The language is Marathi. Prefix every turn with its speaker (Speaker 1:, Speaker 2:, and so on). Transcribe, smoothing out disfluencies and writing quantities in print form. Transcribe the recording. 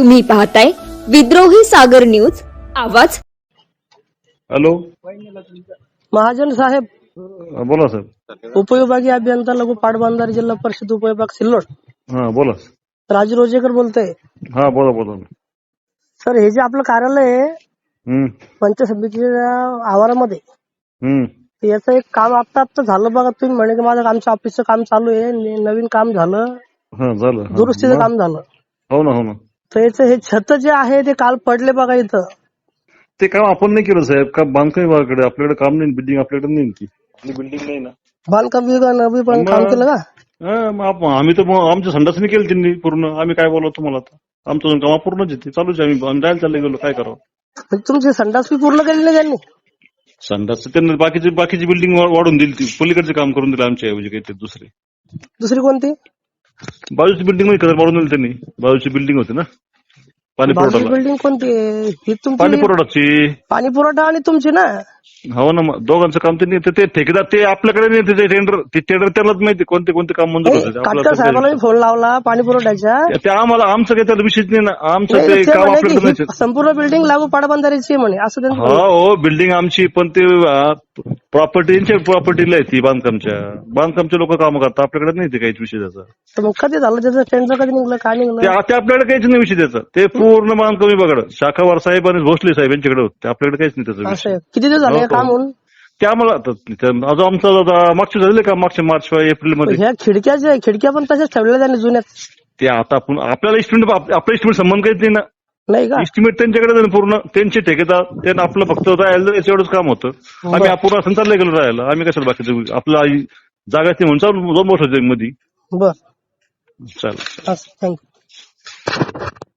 Speaker 1: तुम्ही पाहताय विद्रोही सागर न्यूज आवाज।
Speaker 2: हॅलो,
Speaker 3: महाजन साहेब,
Speaker 2: बोला साहेब.
Speaker 3: उपविभागीय अभियंता लघु पाटबंधारे जिल्हा परिषद उपविभाग सिल्लोड,
Speaker 2: हा बोला.
Speaker 3: राजू रोजेकर बोलतोय.
Speaker 2: हा बोला बोला.
Speaker 3: सर, हे जे आपलं कार्यालय आहे
Speaker 2: हम्म
Speaker 3: पंचायत समितीच्या आवारामध्ये,
Speaker 2: हम्म
Speaker 3: तर याचं एक काम आता झालं बघा. तुम्ही म्हणे की माझं आमच्या ऑफिसचं काम चालू आहे, नवीन काम झालं,
Speaker 2: हा झालं. हा,
Speaker 3: दुरुस्तीचं
Speaker 2: मग?
Speaker 3: काम झालं.
Speaker 2: हो ना हो ना.
Speaker 3: तर याचं हे छत जे आहे ते काल पडले बघा इथं.
Speaker 2: ते काम आपण नाही केलं साहेब. का बांधकाम विभागाकडे आपल्याकडे काम नाही, बिल्डिंग आपल्याकडे नाही ती आपली बिल्डिंग नाही ना.
Speaker 3: बांधकाम विभागानं पण काम केलं का?
Speaker 2: मग आम्ही तर आमच्या संडासने केलं त्यांनी पूर्ण. आम्ही काय बोलतो तुम्हाला आता. आमचं काम पूर्णच येते चालूच आहे. आम्ही जायला चालले गेलो, काय करावं.
Speaker 3: म्हणजे तुमची संडास बी पूर्ण केली नाही त्यांनी?
Speaker 2: संडास त्यांनी बाकीची बिल्डिंग वाढून दिली, ती पलीकडचे काम करून दिलं आमच्या ऐवजी काहीतरी
Speaker 3: दुसरी कोणती?
Speaker 2: बाजूची बिल्डिंग मध्ये वाढून दिली त्यांनी. बाजूची बिल्डिंग होती ना पाणी
Speaker 3: बाजूची
Speaker 2: पुरवठा.
Speaker 3: बिल्डिंग कोणती आहे? ही
Speaker 2: पाणी
Speaker 3: तुमची
Speaker 2: पुरवठाची.
Speaker 3: पाणी पुरवठा आणि तुमची ना?
Speaker 2: हो ना, मग दोघांचं काम त्यांनी ते ठेकेदार ते आपल्याकडे नाही. ते टेंडर त्यालाच माहिती कोणते कोणते काम मंजूर होते.
Speaker 3: काटकर साहेबांना मी फोन लावला पाणी पुरवठ्याच्या.
Speaker 2: ते आम्हाला आमचं काही त्याला विषयच नाही ना. आमचं
Speaker 3: नाही,
Speaker 2: ते
Speaker 3: ते
Speaker 2: काम
Speaker 3: म्हणे
Speaker 2: आपल्याकडे
Speaker 3: की
Speaker 2: नाही.
Speaker 3: ही संपूर्ण बिल्डिंग लागू पाटबंधारेची आहे म्हणे, असं त्यांचं
Speaker 2: हा
Speaker 3: म्हणणं.
Speaker 2: हो, बिल्डिंग आमची, पण ते प्रॉपर्टीला आहे ती बांधकामच्या लोक काम करतात. आपल्याकडे नाही ते काहीच विषय त्याचा.
Speaker 3: तर मग कधी झालं त्याचं? टेंडर कधी निघलं, काय
Speaker 2: ते
Speaker 3: निघलं?
Speaker 2: आपल्याकडे काहीच नाही विषय त्याचा. ते पूर्ण बांधकाम विभागाकडे शाखावार साहेब आणि भोसले साहेब यांच्याकडे होते. आपल्याकडे काहीच नाही त्याचा
Speaker 3: असं
Speaker 2: विषय.
Speaker 3: आहे. किती दिवस झाले हे काम होऊन?
Speaker 2: ते आम्हाला अजून आमचं मागचे झाले का, मागच्या मार्च एप्रिल मध्ये.
Speaker 3: ह्या खिडक्या पण तशाच ठेवलेल्या त्यांनी जुन्यात,
Speaker 2: ते आता आपण आपल्याला आपल्या इस्टिमेट संबंध काहीच नाही ना.
Speaker 3: नाही का?
Speaker 2: इस्टिमेट त्यांच्याकडे आहे ना पूर्ण. त्यांचे ठेकेदार त्यांना आपलं फक्त राहायला एवढंच काम होतं. आम्ही अपूर्ण असं चाललंय गेलो राहायला. आम्ही कशाला बाकीचं आपला जागा नाही म्हणून चालू 2 वर्षाच्या मध्ये.
Speaker 3: बर,
Speaker 2: चालेल.
Speaker 3: थँक्यू.